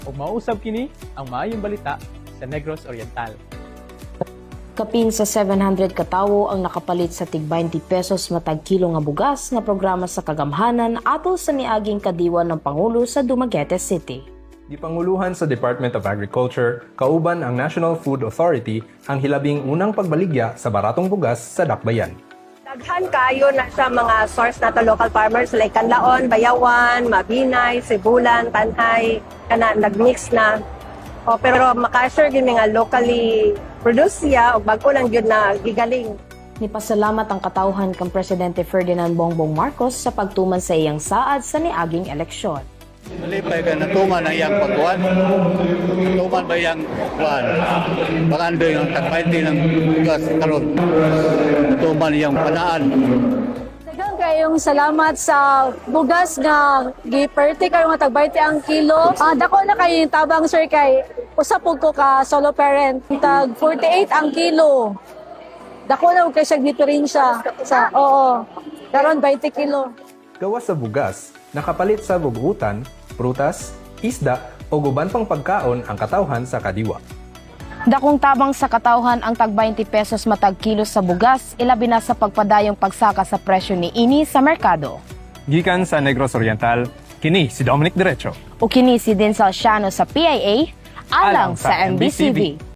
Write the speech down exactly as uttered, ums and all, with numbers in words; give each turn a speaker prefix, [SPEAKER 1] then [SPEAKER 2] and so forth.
[SPEAKER 1] ug mausab kini ang maayong balita sa Negros Oriental.
[SPEAKER 2] Kapin sa seven hundred katawo ang nakapalit sa tig twenty pesos matag kilo nga bugas nga programa sa kagamhanan ato sa niaging kadiwa ng Pangulo sa Dumaguete City.
[SPEAKER 3] Gipanguluhan sa Department of Agriculture, kauban ang National Food Authority ang hilabing unang pagbaligya sa baratong bugas sa Dakbayan.
[SPEAKER 4] Daghan kayo na sa mga source nato local farmers like Canlaon, Bayawan, Mabinay, Sibulan, Tanhay, kana nagmix na. O, pero makasure gyud nga locally produced siya o bag-o lang gyud na gigaling.
[SPEAKER 2] Nipasalamat ang katawhan kang Presidente Ferdinand Bongbong Marcos sa pagtuman sa iyang saad sa niaging eleksyon.
[SPEAKER 5] Malipay ka na tuman ang iyang pagkuhan. Tuman ba iyang kuhan? Pangandoy ng tagpainti ng gas karon. Tuman iyang panaan.
[SPEAKER 6] Daghang kayong salamat sa bugas nga giperte kayo nga tagbayti ang kilo. Ah, dako na kayo yung tabang sir kay usapog ko ka solo parent. Tag forty-eight ang kilo. Dako na kay siya diferensya sa oo. Karon twenty kilo.
[SPEAKER 3] Gawas sa bugas, nakapalit sa bugutan, prutas, isda o guban pang pagkaon ang katawhan sa kadiwa.
[SPEAKER 2] Dakong tabang sa katawhan ang tag twenty pesos matag kilo sa bugas, ilabi na sa pagpadayong pagsaka sa presyo ni ini sa merkado.
[SPEAKER 3] Gikan sa Negros Oriental, kini si Dominic Derecho.
[SPEAKER 2] O kini si Din Salciano sa P I A, alang sa M B C V.